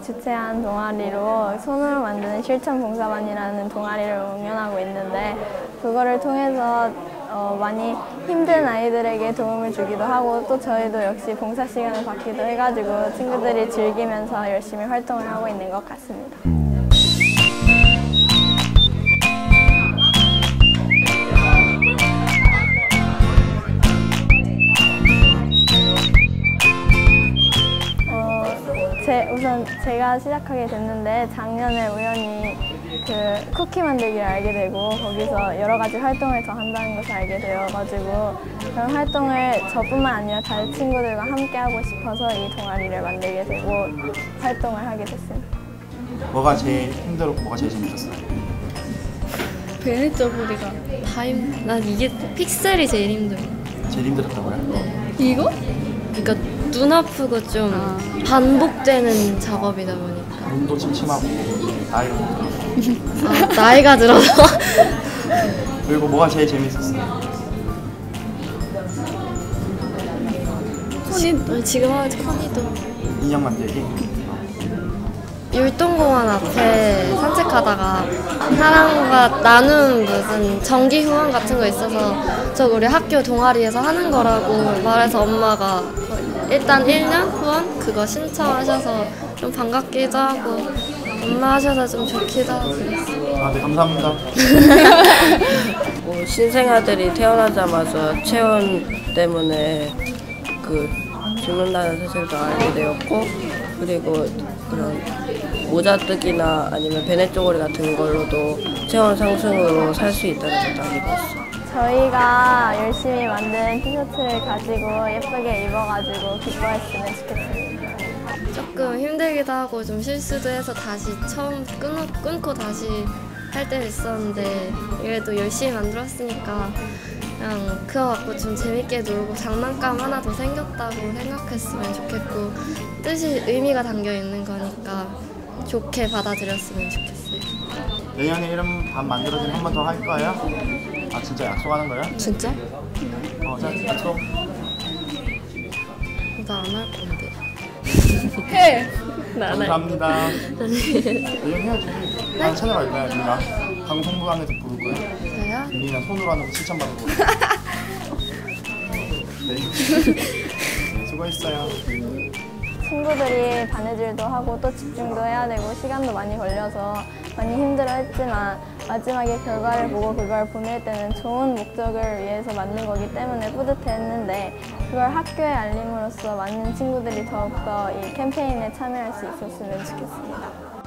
주최한 동아리로 손으로 만드는 실천봉사반이라는 동아리를 운영하고 있는데 그거를 통해서 많이 힘든 아이들에게 도움을 주기도 하고 또 저희도 역시 봉사 시간을 받기도 해가지고 친구들이 즐기면서 열심히 활동을 하고 있는 것 같습니다. 우선 제가 시작하게 됐는데 작년에 우연히 그 쿠키 만들기를 알게 되고 거기서 여러 가지 활동을 더 한다는 것을 알게 되어가지고 그런 활동을 저뿐만 아니라 다른 친구들과 함께 하고 싶어서 이 동아리를 만들게 되고 활동을 하게 됐습니다. 뭐가 제일 힘들었고 뭐가 제일 재밌었어요? 베네저고리가 난 이게 픽셀이 제일 힘들어. 제일 힘들었다고요? 네. 이거? 그러니까 눈 아프고 좀 반복되는 작업이다 보니까 눈도 침침하고 나이가 들어서 나이가 들어서 그리고 뭐가 제일 재밌었어요? 지금 하는 커니도 인형 만들기? 율동공원 앞에 산책하다가 사람과 나눈 무슨 정기 후원 같은 거 있어서 저 우리 학교 동아리에서 하는 거라고 말해서 엄마가 일단 1년 후원 그거 신청하셔서 좀 반갑기도 하고 엄마 하셔서 좀 좋기도 하고 그랬어요. 아, 네, 감사합니다. 신생아들이 태어나자마자 체온 때문에 죽는다는 사실도 알게 되었고 그리고 그런 모자뜨기나 아니면 베네쪼고리 같은 걸로도 체온 상승으로 살 수 있다는 것도 알게 되었어요. 저희가 열심히 만든 티셔츠를 가지고 예쁘게 입어가지고 기뻐했으면 좋겠습니다. 조금 힘들기도 하고 좀 실수도 해서 다시 처음 끊고 다시 할 때도 있었는데 그래도 열심히 만들었으니까 그냥 그거 갖고 좀 재밌게 놀고 장난감 하나 더 생겼다고 생각했으면 좋겠고 뜻이 의미가 담겨 있는 거니까 좋게 받아들였으면 좋겠어요. 내년에 이런 밥 만들어지면 한 번 더 할 거예요? 아, 진짜 약속하는 거예요? 진짜? 자, 약속. 나 안 할 건데. 해! 감사합니다. 내년 해야지. 난 찾아갈 거야, 우리가. 방송부관에서 부를 거야. 저요? 우리는 손으로 하는 거 칭찬받는 거야. 네, 수고했어요. 친구들이 바느질도 하고 또 집중도 해야 되고 시간도 많이 걸려서 많이 힘들어했지만 마지막에 결과를 보고 그걸 보낼 때는 좋은 목적을 위해서 만든 거기 때문에 뿌듯했는데 그걸 학교에 알림으로써 많은 친구들이 더욱더 이 캠페인에 참여할 수 있었으면 좋겠습니다.